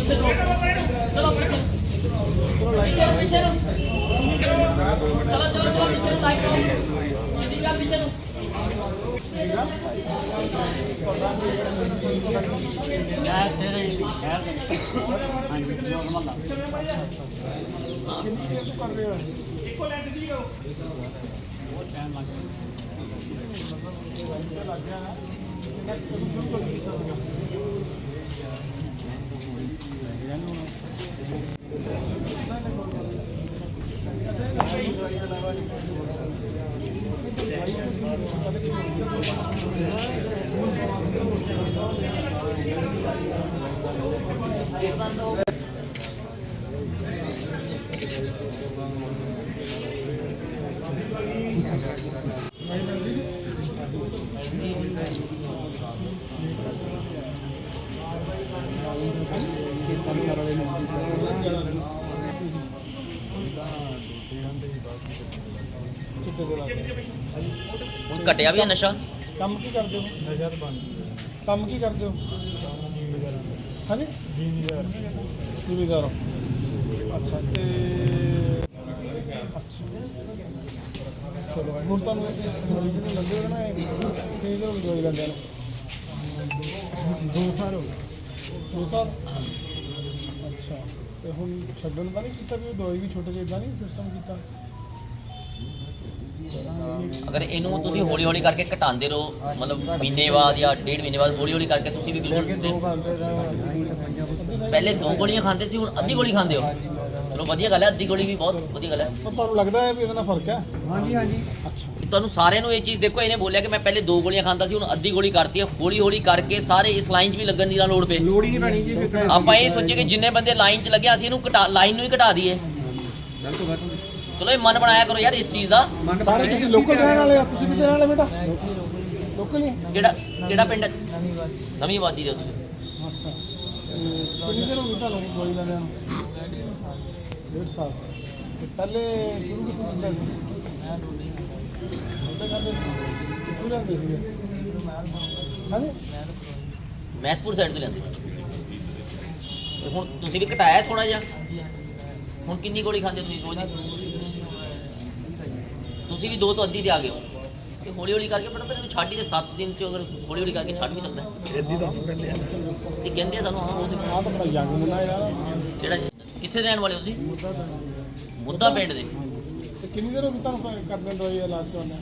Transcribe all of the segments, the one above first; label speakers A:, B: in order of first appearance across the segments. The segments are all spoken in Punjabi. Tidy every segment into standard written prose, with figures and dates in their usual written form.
A: चलो पीछे पीछे चलो चलो चलो पीछे लाइक करो सीधी क्या पीछे घटिया भी है नशा
B: ਕੰਮ ਕੀ ਕਰਦੇ ਹੋ ਨਸ਼ਾ ਤਾਂ ਬੰਦ ਕੰਮ ਕੀ ਕਰਦੇ ਹੋ ਹਾਂਜੀ ਜ਼ਿਮੀਦਾਰ ਹੋ ਅੱਛਾ ਤੇ ਅੱਛਾ ਚਲੋ ਹੁਣ ਤੁਹਾਨੂੰ ਜਿਹੜੇ ਲੰਦੇ ਹੋ ਨਾ ਇਹ ਕਿਹਦੇ ਨੂੰ ਦਵਾਈ ਲੈਂਦੇ ਨੇ 2 ਸਾਲ ਹੋ ਗਏ 2 ਸਾਲ ਅੱਛਾ ਤੇ ਹੁਣ ਛੱਡਣ ਦਾ ਨਹੀਂ ਕੀਤਾ ਵੀ ਉਹ ਦਵਾਈ ਵੀ ਛੁੱਟ ਜੇ ਇਦਾਂ ਨਹੀਂ ਸਿਸਟਮ ਕੀਤਾ
A: अगर इनू तुसी हौली हौली करके घटाते रहो मतलब महीने बाद या 1.5 महीने बाद हौली हौली करके तुसी भी बिल्कुल पहले 2 गोलियां खाते सी हुण अद्धी गोली खाते हो चलो वधिया गल है अद्धी गोली भी बहुत वधिया गल है
B: ਪਰ ਤੁਹਾਨੂੰ ਲੱਗਦਾ ਹੈ ਵੀ ਇਹਦੇ ਨਾਲ ਫਰਕ ਹੈ ਹਾਂਜੀ ਹਾਂਜੀ ਅੱਛਾ
A: कि तुहानू सारे नू ये चीज़ देखो इन्हें बोलिया कि मैं पहले 2 गोलियां खाता सी हुण अद्धी गोली करती है हौली हौली करके सारे इस लाइन च भी लगन दी लोड़ पे
B: ਲੋੜ ਹੀ ਨਹੀਂ ਪੈਣੀ ਜੀ
A: ਆਪਾਂ ਇਹ ਸੋਚੇ ਕਿ ਜਿੰਨੇ ਬੰਦੇ ਲਾਈਨ 'ਚ ਲੱਗੇ ਅਸੀਂ ਇਹਨੂੰ ਘਟਾ ਲਾਈਨ ਨੂੰ ਹੀ ਘਟਾ ਦਈਏ ਚਲੋ ਇਹ ਮਨ ਬਣਾਇਆ ਕਰੋ ਯਾਰ ਇਸ ਚੀਜ਼ ਦਾ
B: ਸਾਰੇ ਤੁਸੀਂ ਲੋਕਲ ਰਹਿਣ ਵਾਲੇ ਆ ਤੁਸੀਂ ਕਿੱਥੇ ਰਹਿਣ ਵਾਲੇ ਬੇਟਾ ਲੋਕਲ ਹੀ
A: ਕਿਹੜਾ ਪਿੰਡ ਨਵੀਂ ਆਬਾਦੀ ਦੇ ਉੱਤੇ
B: ਅੱਛਾ ਕਿੰਨੀ ਦੇਰ ਹੋ ਗਈ ਤੁਹਾਨੂੰ ਦਵਾਈ ਲੈਂਦਿਆਂ ਨੂੰ 1.5 ਸਾਲ ਤੇ ਪਹਿਲੇ ਸ਼ੁਰੂ ਕਿੱਥੋਂ ਕੀਤਾ ਸੀ ਉਹਦੇ ਕਹਿੰਦੇ ਸੀ ਕਿੱਥੋਂ ਲੈਂਦੇ ਸੀਗੇ ਹਾਂਜੀ
A: ਮਹਿਤਪੁਰ ਸਾਈਡ ਤੋਂ ਲੈਂਦੇ ਤੇ ਹੁਣ ਤੁਸੀਂ ਵੀ ਘਟਾਇਆ ਥੋੜਾ ਜਿਹਾ ਹੁਣ ਕਿੰਨੀ ਗੋਲੀ ਖਾਂਦੇ ਤੁਸੀਂ ਰੋਜ਼ ਦੀ ਤੁਸੀਂ ਵੀ 2 ਤੋਂ ਅੱਧੀ ਤੇ ਆ ਗਏ ਹੋ ਤੇ ਹੌਲੀ ਹੌਲੀ ਕਰਕੇ ਪਤਾ ਤੈਨੂੰ ਛੱਡ ਹੀ ਦੇ 7 ਦਿਨ ਚ ਅਗਰ ਹੌਲੀ ਹੌਲੀ ਕਰਕੇ ਛੱਡ ਵੀ ਸਕਦਾ
B: ਇੱਦੀ ਤਾਂ ਕਹਿੰਦੇ ਆ
A: ਇਹ ਕਹਿੰਦੇ ਆ ਸਾਨੂੰ ਹਾਂ ਉਹ ਤੇ
B: ਆਹ ਤਾਂ ਬੜਾ ਯੰਗ ਮੁੰਡਾ ਯਾਰ
A: ਕਿਹੜਾ ਕਿੱਥੇ ਰਹਿਣ ਵਾਲੇ ਹੋ ਤੁਸੀਂ ਮੁੱਦਾ ਪਿੰਡ ਦੇ
B: ਤੇ ਕਿੰਨੀ ਦੇਰ ਹੋ ਗਈ ਤੁਹਾਨੂੰ ਕਰਦੇ ਦਵਾਈ ਇਲਾਜ ਕਰਾਉਂਦੇ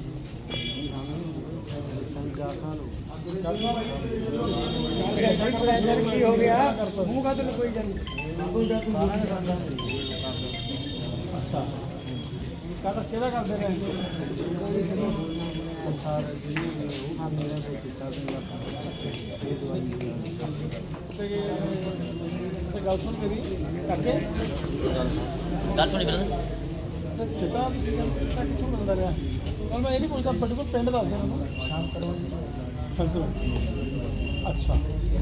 B: 4 ਸਾਲ ਕੀ ਹੋ ਗਿਆ ਮੂੰਹ ਕਾ ਤੇ ਕੋਈ ਜਾਂਦੀ ਅੱਛਾ ਕਾਹਦਾ ਕਿਹਦਾ ਕਰਦੇ ਨੇ ਤੇ ਗੱਲ ਸੁਣ ਮੇਰੀ ਕਰਕੇ
A: ਗੱਲ ਸੁਣੀ ਬਰਦਰ
B: ਚਿੱਟਾ ਕਿੱਥੋਂ ਮਿਲਦਾ ਰਿਹਾ ਹੁਣ ਮੈਂ ਇਹ ਨਹੀਂ ਪੁੱਛਦਾ ਪਰਟੀਕੂਲਰ ਪਿੰਡ ਦੱਸ ਦੇ ਮੈਨੂੰ ਸ਼ਾਮ ਕਰਵਾ ਅੱਛਾ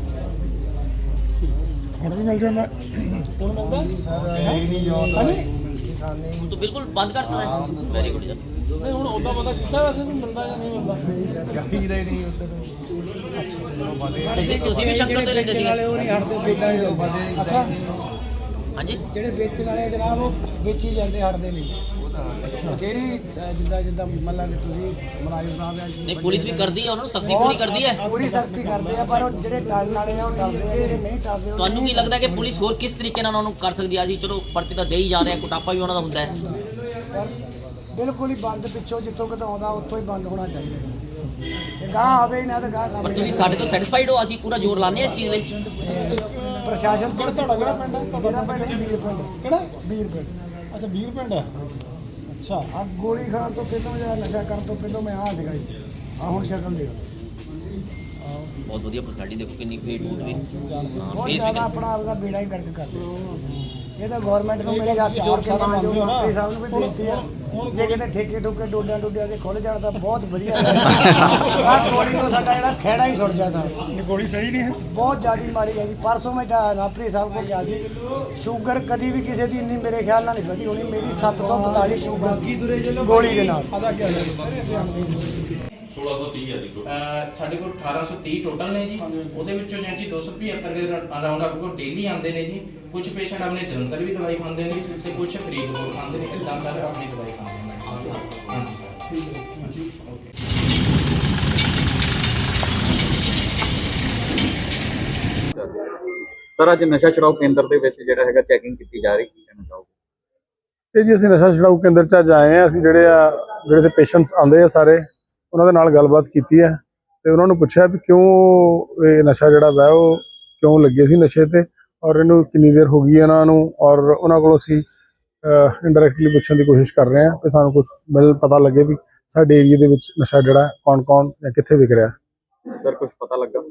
B: ਹੁਣ ਵੀ ਮਿਲ ਜਾਂਦਾ ਹੁਣ ਮਿਲਦਾ ਹਾਂਜੀ
A: ਹੁਣ ਤਾਂ ਬਿਲਕੁਲ ਬੰਦ ਕਰਤਾ ਹੈ ਵੈਰੀ ਗੁੱਡ ਜੀ
B: ਨਹੀਂ ਹੁਣ ਉਹਦਾ ਪਤਾ ਕੀਤਾ ਵੈਸੇ ਵੀ ਮਿਲਦਾ ਜਾਂ ਨਹੀਂ ਮਿਲਦਾ ਚਾਹੀਦਾ ਹੀ ਨਹੀਂ ਉੱਧਰ
A: ਤੁਸੀਂ ਵੀ ਸ਼ੰਕਰ ਤੋਂ ਲੈਂਦੇ ਸੀ
C: ਉਹ ਨਹੀਂ ਹਟਦੇ ਵੇਚੀ ਜਾਂਦੇ
B: ਅੱਛਾ
A: ਹਾਂਜੀ
C: ਜਿਹੜੇ ਵੇਚਣ ਵਾਲੇ ਜਨਾਬ ਉਹ ਵੇਚੀ ਜਾਂਦੇ ਹਟਦੇ ਨਹੀਂ ਜਿਹੜੀ ਜਿੱਦਾਂ ਮਤਲਬ ਕਿ ਤੁਸੀਂ ਮੁਲਾਜ਼ਮ ਸਾਹਿਬ ਆ
A: ਨਹੀਂ ਪੁਲਿਸ ਵੀ ਕਰਦੀ ਹੈ ਉਹਨਾਂ ਨੂੰ ਸਖਤੀ ਪੂਰੀ ਕਰਦੀ ਹੈ
C: ਪੂਰੀ ਸਖਤੀ ਕਰਦੇ ਆ ਪਰ ਉਹ ਜਿਹੜੇ ਟਲਣ ਵਾਲੇ ਆ ਉਹ ਟਲਦੇ ਆ ਜਿਹੜੇ ਨਹੀਂ ਟਲਦੇ ਉਹ
A: ਤੁਹਾਨੂੰ ਕੀ ਲੱਗਦਾ ਕਿ ਪੁਲਿਸ ਹੋਰ ਕਿਸ ਤਰੀਕੇ ਨਾਲ ਉਹਨਾਂ ਨੂੰ ਕਰ ਸਕਦੀ ਆ ਜੀ ਚਲੋ ਪਰਚੇ ਤਾਂ ਦੇ ਹੀ ਜਾ ਰਹੇ ਆ ਕੁਟਾਪਾ ਵੀ ਉਹਨਾਂ ਦਾ ਹੁੰਦਾ ਹੈ
C: ਪਰ ਬਿਲਕੁਲ ਹੀ ਬੰਦ ਪਿੱਛੋਂ ਜਿੱਥੋਂ ਕਿਤੋਂ ਆਉਂਦਾ ਉੱਥੋਂ ਹੀ ਬੰਦ ਹੋਣਾ ਚਾਹੀਦਾ ਤੇ ਗਾਹ ਆਵੇ ਹੀ ਨਾ ਤਾਂ ਗਾਹ
A: ਪਰ ਤੁਸੀਂ ਸਾਡੇ ਤੋਂ ਸੈਟੀਸਫਾਈਡ ਹੋ ਅਸੀਂ ਪੂਰਾ ਜ਼ੋਰ ਲਾਉਂਦੇ ਹਾਂ ਇਸ ਚੀਜ਼ ਲਈ
C: ਪ੍ਰਸ਼ਾਸਨ
B: ਕਿਹੜਾ ਤੁਹਾਡਾ ਕਿਹੜਾ ਪਿੰਡ ਹੈ
C: ਮੇਰਾ ਪਿੰਡ ਜੀ ਵੀਰ ਪਿੰਡ
B: ਕਿਹੜਾ
C: ਵੀਰ ਪਿੰਡ
B: ਅੱਛਾ ਵੀਰ ਪਿੰਡ ਹੈ ਅੱਛਾ
C: ਆ ਗੋਲੀ ਖਾਣ ਤੋਂ ਪਹਿਲਾਂ ਜਾਂ ਨਸ਼ਾ ਕਰਨ ਤੋਂ ਪਹਿਲਾਂ ਮੈਂ ਆਹ ਸੀਗਾ ਜੀ ਆ ਹੁਣ ਸ਼ਕਲ ਦੇ
A: ਬਹੁਤ ਵਧੀਆ ਪਰਸੈਂਟੀ ਦੇਖੋ ਕਿੰਨੀ ਫੀਟ ਫੂਟ ਵੀ
C: ਬਹੁਤ
A: ਫੀਸ
C: ਜ਼ਿਆਦਾ ਆਪਣਾ ਆਪਦਾ ਬੇੜਾ ਹੀ ਕਰਕੇ ਕਰਦੇ ਇਹ ਤਾਂ ਗਵਰਨਮੈਂਟ ਨੂੰ ਮੇਰੇ ਹੱਥ ਜੋੜ ਕੇ ਮਾਂ ਜੋ ਮੰਤਰੀ ਸਾਹਿਬ ਨੂੰ ਵੀ ਬੇਨਤੀ ਆ ਜੇ ਕਿਤੇ ਠੇਕੇ ਠੁਕੇ ਡੋਡਿਆਂ ਦੇ ਖੁੱਲ ਜਾਣ ਤਾਂ ਬਹੁਤ ਵਧੀਆ ਆ ਗੋਲੀ ਤੋਂ ਸਾਡਾ ਜਿਹੜਾ ਖਹਿੜਾ ਹੀ ਸੁੱਟ ਜਾਂਦਾ
B: ਗੋਲੀ ਸਹੀ ਨਹੀਂ ਹੈ
C: ਬਹੁਤ ਜ਼ਿਆਦਾ ਮਾਰੀ ਹੈ ਜੀ ਪਰਸੋਂ ਮੈਂ ਰਾਪਰੀ ਸਾਹਿਬ ਕੋਲ ਗਿਆ ਸੀ ਸ਼ੂਗਰ ਕਦੀ ਵੀ ਕਿਸੇ ਦੀ ਇੰਨੀ ਮੇਰੇ ਖਿਆਲ ਨਾਲ ਨਹੀਂ ਵਧੀ ਹੋਣੀ ਮੇਰੀ 742 ਸ਼ੂਗਰ ਸੀ ਗੋਲੀ ਦੇ ਨਾਲ
B: ਆਦਾ ਕੀ
D: 1630 ਹੈ ਜੀ
E: ਸਾਡੇ ਕੋਲ 1830 ਟੋਟਲ ਨੇ ਜੀ। ਉਹਦੇ ਵਿੱਚੋਂ ਜੀ 275 ਦੇ ਅਰਾਊਂਡ ਆਪਣੇ ਕੋਲ ਡੇਲੀ ਆਉਂਦੇ ਨੇ ਜੀ। ਕੁਝ ਪੇਸ਼ੈਂਟ ਆਪਣੇ ਜਲੰਧਰ ਵੀ ਦਵਾਈ ਖਾਂਦੇ ਨੇ ਤੇ ਕੁਝ ਫਰੀਦਕੋਟ ਖਾਂਦੇ ਨੇ, ਇਦਾਂ ਸਾਰੇ ਆਪਣੀ ਦਵਾਈ ਖਾਂਦੇ ਨੇ। ਹਾਂਜੀ ਸਰ, ਠੀਕ ਹੈ, ਹਾਂਜੀ, ਓਕੇ।
F: ਸਰ ਅੱਜ ਨਸ਼ਾ ਛੁਡਾਊ ਕੇਂਦਰ ਦੇ ਵਿੱਚ ਜਿਹੜਾ ਹੈਗਾ ਚੈਕਿੰਗ ਕੀਤੀ ਜਾ ਰਹੀ, ਕੀ ਕਹਿਣਾ ਚਾਹੋਗੇ?
B: ਇਹ ਜੀ ਅਸੀਂ ਨਸ਼ਾ ਛੁਡਾਊ ਕੇਂਦਰ 'ਚ ਅੱਜ ਆਏ ਹਾਂ। ਅਸੀਂ ਜਿਹੜੇ ਤੇ ਪੇਸ਼ੈਂਟਸ ਆਉਂਦੇ ਆ ਸਾਰੇ, ਉਹਨਾਂ ਦੇ ਨਾਲ ਗੱਲਬਾਤ ਕੀਤੀ ਹੈ ਤੇ ਉਹਨਾਂ ਨੂੰ ਪੁੱਛਿਆ ਵੀ ਕਿਉਂ ਇਹ ਨਸ਼ਾ ਜਿਹੜਾ ਵਾ ਉਹ ਕਿਉਂ ਲੱਗੇ ਸੀ ਨਸ਼ੇ ਤੇ, ਔਰ ਇਹਨੂੰ ਕਿੰਨੀ ਦੇਰ ਹੋ ਗਈ ਇਹਨਾਂ ਨੂੰ, ਔਰ ਉਹਨਾਂ ਕੋਲੋਂ ਅਸੀਂ ਇੰਡਾਇਰੈਕਟਲੀ ਪੁੱਛਣ ਦੀ ਕੋਸ਼ਿਸ਼ ਕਰ ਰਹੇ ਹਾਂ ਕਿ ਸਾਨੂੰ ਕੁਝ ਪਤਾ ਲੱਗੇ ਵੀ ਸਾਡੇ ਏਰੀਆ ਦੇ ਵਿੱਚ ਨਸ਼ਾ ਜਿਹੜਾ ਕੌਣ ਜਾਂ ਕਿੱਥੇ ਵਿਕ ਰਿਹਾ।
F: ਸਰ ਕੁਝ ਪਤਾ ਲੱਗਾ?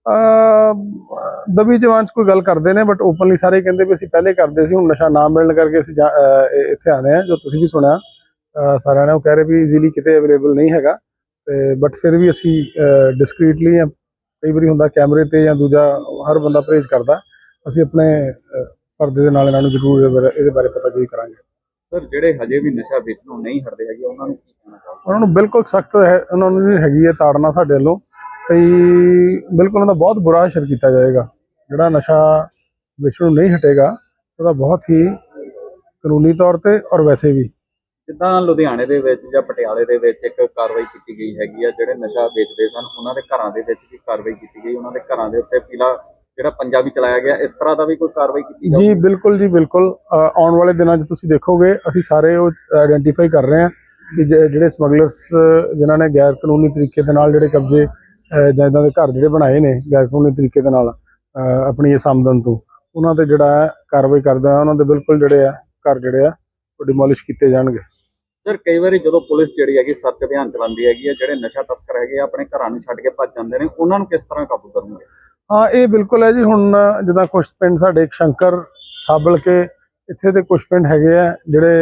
B: ਦਬੀ ਜਵਾਨ 'ਚ ਕੋਈ ਗੱਲ ਕਰਦੇ ਨੇ, ਬਟ ਓਪਨਲੀ ਸਾਰੇ ਕਹਿੰਦੇ ਵੀ ਅਸੀਂ ਪਹਿਲੇ ਕਰਦੇ ਸੀ, ਹੁਣ ਨਸ਼ਾ ਨਾ ਮਿਲਣ ਕਰਕੇ ਅਸੀਂ ਇੱਥੇ ਆਏ ਹਾਂ। ਜੋ ਤੁਸੀਂ ਵੀ ਸੁਣਿਆ ਸਾਰਿਆਂ ਨੇ, ਉਹ ਕਹਿ ਰਹੇ ਵੀ ਈਜ਼ੀਲੀ ਕਿਤੇ ਅਵੇਲੇਬਲ ਨਹੀਂ ਹੈਗਾ, ਤੇ ਬਟ ਫਿਰ ਵੀ ਅਸੀਂ ਡਿਸਕ੍ਰੀਟਲੀ, ਕਈ ਵਾਰੀ ਹੁੰਦਾ ਕੈਮਰੇ ਤੇ ਜਾਂ ਦੂਜਾ ਹਰ ਬੰਦਾ ਪਰਹੇਜ਼ ਕਰਦਾ, ਅਸੀਂ ਆਪਣੇ ਪਰਦੇ ਦੇ ਨਾਲ ਇਹਨਾਂ ਨੂੰ ਜ਼ਰੂਰ ਇਹਦੇ ਬਾਰੇ ਪਤਾ ਜ਼ਰੂਰ ਕਰਾਂਗੇ।
F: ਸਰ ਜਿਹੜੇ ਹਜੇ ਵੀ ਨਸ਼ਾ ਵੇਚਣੋਂ ਨਹੀਂ ਹਟਦੇ ਹੈਗੇ, ਉਹਨਾਂ ਨੂੰ ਕੀ ਕਹਿਣਾ ਚਾਹੋਗੇ?
B: ਉਹਨਾਂ ਨੂੰ ਬਿਲਕੁਲ ਸਖਤ ਹੈ, ਉਹਨਾਂ ਨੂੰ ਵੀ ਹੈਗੀ ਹੈ ਤਾੜਨਾ ਸਾਡੇ ਵੱਲੋਂ, ਕਈ ਬਿਲਕੁਲ ਉਹਨਾਂ ਦਾ ਬਹੁਤ ਬੁਰਾ ਅਸਰ ਕੀਤਾ ਜਾਏਗਾ। ਜਿਹੜਾ ਨਸ਼ਾ ਵੇਚਣੋਂ ਨਹੀਂ ਹਟੇਗਾ ਉਹਦਾ ਬਹੁਤ ਹੀ ਕਾਨੂੰਨੀ ਤੌਰ ਤੇ ਔਰ ਵੈਸੇ ਵੀ।
F: ਜਿੱਦਾਂ ਲੁਧਿਆਣੇ ਦੇ ਵਿੱਚ ਜਾਂ ਪਟਿਆਲੇ ਦੇ ਵਿੱਚ ਇੱਕ ਕਾਰਵਾਈ ਕੀਤੀ ਗਈ ਹੈਗੀ ਆ, ਜਿਹੜੇ ਨਸ਼ਾ ਵੇਚਦੇ ਸਨ ਉਹਨਾਂ ਦੇ ਘਰਾਂ ਦੇ ਵਿੱਚ ਵੀ ਕਾਰਵਾਈ ਕੀਤੀ ਗਈ, ਉਹਨਾਂ ਦੇ ਘਰਾਂ ਦੇ ਉੱਤੇ ਪੀਲਾ ਜਿਹੜਾ ਪੰਜਾਬੀ ਚਲਾਇਆ ਗਿਆ, ਇਸ ਤਰ੍ਹਾਂ ਦਾ ਵੀ ਕੋਈ ਕਾਰਵਾਈ ਕੀਤੀ ਜਾਊਗੀ?
B: ਜੀ ਬਿਲਕੁਲ ਜੀ, ਬਿਲਕੁਲ। ਆਉਣ ਵਾਲੇ ਦਿਨਾਂ 'ਚ ਤੁਸੀਂ ਦੇਖੋਗੇ ਅਸੀਂ ਸਾਰੇ ਉਹ ਆਇਡੈਂਟੀਫਾਈ ਕਰ ਰਹੇ ਹਾਂ ਕਿ ਜਿਹੜੇ ਸਮਗਲਰਸ ਜਿਨ੍ਹਾਂ ਨੇ ਗੈਰ ਕਾਨੂੰਨੀ ਤਰੀਕੇ ਦੇ ਨਾਲ ਜਿਹੜੇ ਕਬਜ਼ੇ ਜਾਂ ਇੱਦਾਂ ਦੇ ਘਰ ਜਿਹੜੇ ਬਣਾਏ ਨੇ ਗੈਰ ਕਾਨੂੰਨੀ ਤਰੀਕੇ ਦੇ ਨਾਲ ਆਪਣੀ ਇਸ ਆਮਦਨ ਤੋਂ, ਉਹਨਾਂ ਤੇ ਜਿਹੜਾ ਕਾਰਵਾਈ ਕਰਦਾ, ਉਹਨਾਂ ਦੇ ਬਿਲਕੁਲ ਜਿਹੜੇ ਆ ਘਰ ਜਿਹੜੇ ਆ ਉਹ ਡਿਮੋਲਿਸ਼ ਕੀਤੇ ਜਾਣਗੇ।
F: ਸਰ ਕਈ ਵਾਰੀ ਜਦੋਂ ਪੁਲਿਸ ਜਿਹੜੀ ਹੈਗੀ ਸਰਚ ਅਭਿਆਨ ਚਲਾਉਂਦੀ ਹੈਗੀ ਆ, ਜਿਹੜੇ ਨਸ਼ਾ ਤਸਕਰ ਹੈਗੇ ਆ ਆਪਣੇ ਘਰਾਂ ਨੂੰ ਛੱਡ ਕੇ ਭੱਜ ਜਾਂਦੇ ਨੇ, ਉਹਨਾਂ ਨੂੰ ਕਿਸ ਤਰ੍ਹਾਂ ਕਾਬੂ ਕਰੋਗੇ?
B: ਹਾਂ, ਇਹ ਬਿਲਕੁਲ ਹੈ ਜੀ। ਹੁਣ ਜਿੱਦਾਂ ਕੁਛ ਪਿੰਡ ਸਾਡੇ ਇੱਕ ਸ਼ੰਕਰ ਖਾਬਲ ਕੇ ਇੱਥੇ ਦੇ ਕੁਛ ਪਿੰਡ ਹੈਗੇ ਆ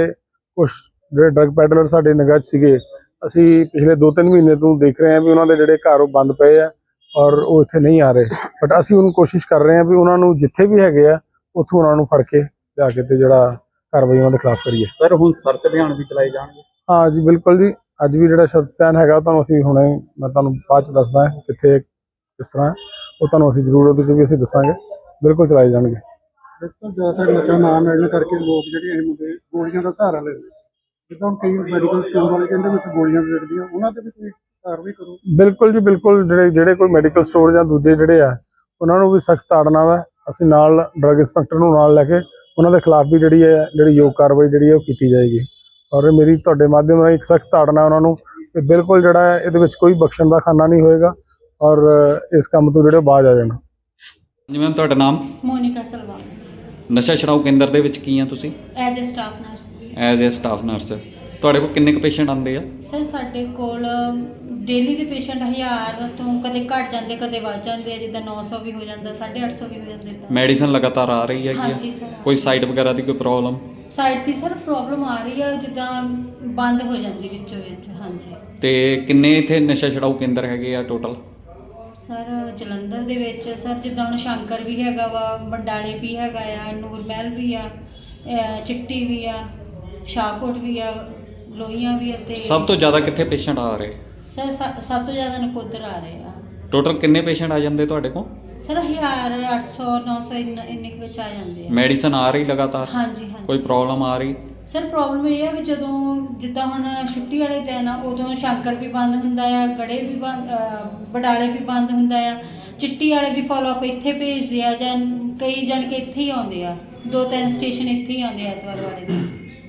B: ਜਿਹੜੇ ਡਰੱਗ ਪੈਡਲਰ ਸਾਡੇ ਨਿਗਾਹ 'ਚ ਸੀਗੇ। ਅਸੀਂ ਪਿਛਲੇ 2-3 ਮਹੀਨੇ ਤੋਂ ਦੇਖ ਰਹੇ ਹਾਂ ਵੀ ਉਹਨਾਂ ਦੇ ਜਿਹੜੇ ਘਰ ਉਹ ਬੰਦ ਪਏ ਆ ਔਰ ਉਹ ਇੱਥੇ ਨਹੀਂ ਆ ਰਹੇ, ਬਟ ਅਸੀਂ ਹੁਣ ਕੋਸ਼ਿਸ਼ ਕਰ ਰਹੇ ਹਾਂ ਵੀ ਉਹਨਾਂ ਨੂੰ ਜਿੱਥੇ ਵੀ ਹੈਗੇ ਆ ਉੱਥੋਂ ਉਹਨਾਂ ਨੂੰ ਫੜ ਕੇ ਲਿਆ ਕੇ ਤੇ ਜਿਹੜਾ ਕਾਰਵਾਈ ਉਹਨਾਂ ਦੇ ਖਿਲਾਫ ਕਰੀਏ।
F: ਸਰ ਹੁਣ ਸਰਚ ਅਭਿਆਨ ਵੀ ਚਲਾਏ ਜਾਣਗੇ?
B: ਹਾਂ ਜੀ ਬਿਲਕੁਲ ਜੀ। ਅੱਜ ਵੀ ਜਿਹੜਾ ਸਰਚ ਅਭਿਆਨ ਹੈਗਾ ਉਹ ਤੁਹਾਨੂੰ ਅਸੀਂ ਹੁਣੇ, ਮੈਂ ਤੁਹਾਨੂੰ ਬਾਅਦ 'ਚ ਦੱਸਦਾ ਕਿੱਥੇ ਕਿਸ ਤਰ੍ਹਾਂ, ਉਹ ਤੁਹਾਨੂੰ ਅਸੀਂ ਜ਼ਰੂਰ ਉਹਦੇ 'ਚ ਵੀ ਅਸੀਂ ਦੱਸਾਂਗੇ। ਬਿਲਕੁਲ ਚਲਾਏ ਜਾਣਗੇ।
G: ਜ਼ਿਆਦਾਤਰ ਨਸ਼ਾ ਨਾ ਮਿਲਣ ਕਰਕੇ ਲੋਕ ਜਿਹੜੇ ਇਹ ਮੁੰਡੇ ਗੋਲੀਆਂ ਦਾ ਸਹਾਰਾ ਲੈਂਦੇ, ਜਿੱਦਾਂ ਹੁਣ ਕਈ ਮੈਡੀਕਲ ਸਟੋਰ ਵਾਲੇ ਕਹਿੰਦੇ ਵਿੱਚ ਗੋਲੀਆਂ ਵੇਚਦੀਆਂ, ਉਹਨਾਂ ਤੇ ਵੀ ਕੋਈ ਕਾਰਵਾਈ ਕਰੋ? ਬਿਲਕੁਲ ਜੀ ਬਿਲਕੁਲ। ਜਿਹੜੇ ਕੋਈ ਮੈਡੀਕਲ ਸਟੋਰ ਜਾਂ ਦੂਜੇ ਜਿਹੜੇ ਆ ਉਹਨਾਂ ਨੂੰ ਵੀ ਸਖਤ ਤਾੜਨਾ ਵਾ। ਅਸੀਂ ਨਾਲ ਡਰੱਗ ਇੰਸਪੈਕਟਰ ਨੂੰ ਨਾਲ ਲੈ ਕੇ ਉਹਨਾਂ ਦੇ ਖਿਲਾਫ ਵੀ ਜਿਹੜੀ ਯੋਗ ਕਾਰਵਾਈ ਜਿਹੜੀ ਹੈ ਉਹ ਕੀਤੀ ਜਾਏਗੀ। ਔਰ ਮੇਰੀ ਤੁਹਾਡੇ ਮਾਧਿਅਮ ਰਾਹੀਂ ਇੱਕ ਸਖਤ ਤਾੜਨਾ ਉਹਨਾਂ ਨੂੰ ਕਿ ਬਿਲਕੁਲ ਜਿਹੜਾ ਇਹਦੇ ਵਿੱਚ ਕੋਈ ਬਖਸ਼ਣ ਦਾ ਖਾਨਾ ਨਹੀਂ ਹੋਏਗਾ ਔਰ ਇਸ ਕੰਮ ਤੋਂ ਜਿਹੜੇ ਬਾਜ਼ ਆ ਜਾਣ।
F: ਜੀ ਮੈਮ, ਤੁਹਾਡਾ ਨਾਮ?
H: ਮੋਨਿਕਾ ਸਲਵਾਨ।
F: ਨਸ਼ਾ ਛੁਡਾਊ ਕੇਂਦਰ ਦੇ ਵਿੱਚ ਕੀ ਆ ਤੁਸੀਂ?
H: As a staff nurse.
F: As a staff nurse. ਤੁਹਾਡੇ ਕੋਲ ਕਿੰਨੇ ਕੁ ਪੇਸ਼ੈਂਟ ਆਉਂਦੇ ਆ?
H: ਸਰ ਸਾਡੇ ਕੋਲ ਡੇਲੀ ਦੇ ਪੇਸ਼ੈਂਟ 1000 ਤੋਂ ਕਦੇ ਘਟ ਜਾਂਦੇ ਕਦੇ ਵੱਧ ਜਾਂਦੇ ਆ, ਜਿੱਦਾਂ 900 ਵੀ ਹੋ ਜਾਂਦਾ, 850 ਵੀ ਹੋ ਜਾਂਦੇ।
F: ਮੈਡੀਸਨ ਲਗਾਤਾਰ ਆ ਰਹੀ ਹੈਗੀ?
H: ਹਾਂਜੀ ਸਰ।
F: ਕੋਈ ਸਾਈਡ ਵਗੈਰਾ ਦੀ ਕੋਈ ਪ੍ਰੋਬਲਮ?
H: ਸਾਈਡ ਦੀ ਸਰ ਪ੍ਰੋਬਲਮ ਆ ਰਹੀ ਆ, ਜਿੱਦਾਂ ਬੰਦ ਹੋ ਜਾਂਦੀ ਵਿੱਚੋਂ ਵਿੱਚ। ਹਾਂਜੀ।
F: ਤੇ ਕਿੰਨੇ ਇੱਥੇ ਨਸ਼ਾ ਛੁਡਾਊ ਕੇਂਦਰ ਹੈਗੇ ਆ ਟੋਟਲ?
H: ਸਰ ਜਲੰਧਰ ਦੇ ਵਿੱਚ ਸਰ ਜਿੱਦਾਂ ਹੁਣ ਸ਼ੰਕਰ ਵੀ ਹੈਗਾ ਵਾ, ਬੰਡਾਲੇ ਵੀ ਹੈਗਾ ਆ, ਨੂਰ ਮਹਿਲ ਵੀ ਆ, ਚਿੱਟੀ ਵੀ ਆ, ਸ਼ਾਹਕੋਟ ਵੀ ਆ, ਲੋਹੀਆਂ ਵੀ ਆ। ਤੇ
F: ਸਭ ਤੋਂ ਜ਼ਿਆਦਾ ਕਿੱਥੇ ਪੇਸ਼ੈਂਟ ਆ ਰਹੇ?
H: ਸਰ ਸਭ ਤੋਂ ਜ਼ਿਆਦਾ ਨਕੋਦਰ ਆ ਰਹੇ ਆ।
F: ਟੋਟਲ ਕਿੰਨੇ ਪੇਸ਼ੈਂਟ ਆ ਜਾਂਦੇ ਤੁਹਾਡੇ ਕੋਲ?
H: ਸਰ 1000 800 900 ਇੰਨੇ ਕੁ ਵਿੱਚ ਆ ਜਾਂਦੇ ਆ।
F: ਮੈਡੀਸਨ ਆ ਰਹੀ ਲਗਾਤਾਰ?
H: ਹਾਂਜੀ ਹਾਂਜੀ।
F: ਕੋਈ ਪ੍ਰੋਬਲਮ ਆ ਰਹੀ?
H: ਸਰ ਪ੍ਰੋਬਲਮ ਇਹ ਆ ਵੀ ਜਦੋਂ ਜਿੱਦਾਂ ਹੁਣ ਛੁੱਟੀ ਵਾਲੇ ਦਿਨ ਆ ਉਦੋਂ ਸ਼ੰਕਰ ਵੀ ਬੰਦ ਹੁੰਦਾ ਆ, ਗੜੇ ਵੀ ਬਡਾਲੇ ਵੀ ਬੰਦ ਹੁੰਦਾ ਆ, ਚਿੱਟੀ ਵਾਲੇ ਵੀ ਫੋਲੋ ਅਪ ਇੱਥੇ ਭੇਜਦੇ ਆ, ਜਾਂ ਕਈ ਜਣ ਕੇ ਇੱਥੇ ਹੀ ਆਉਂਦੇ ਆ, 2-3 ਸਟੇਸ਼ਨ ਇੱਥੇ ਹੀ ਆਉਂਦੇ ਆ ਐਤਵਾਰ ਵਾਲੇ ਦਿਨ।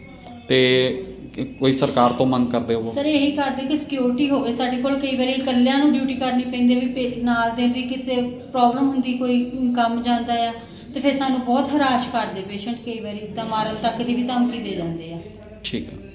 F: ਤੇ ਕੋਈ ਸਰਕਾਰ ਤੋਂ ਮੰਗ ਕਰਦੇ ਹੋ?
H: ਸਰ ਇਹੀ ਕਰਦੇ ਕਿ ਸਿਕਿਉਰਿਟੀ ਹੋਵੇ ਸਾਡੇ ਕੋਲ। ਕਈ ਵਾਰੀ ਇਕੱਲਿਆਂ ਨੂੰ ਡਿਊਟੀ ਕਰਨੀ ਪੈਂਦੀ ਵੀ ਨਾਲ ਦੇ ਦੀ ਕਿਤੇ ਪ੍ਰੋਬਲਮ ਹੁੰਦੀ, ਕੋਈ ਕੰਮ ਜਾਂਦਾ ਆ ਤੇ ਫਿਰ ਸਾਨੂੰ ਬਹੁਤ ਹਰਾਸ਼ ਕਰਦੇ ਪੇਸ਼ੈਂਟ, ਕਈ ਵਾਰੀ ਤਾਂ ਮਾਰਨ ਤੱਕ ਦੀ ਵੀ ਧਮਕੀ ਦੇ ਜਾਂਦੇ ਆ।
F: ਠੀਕ ਹੈ।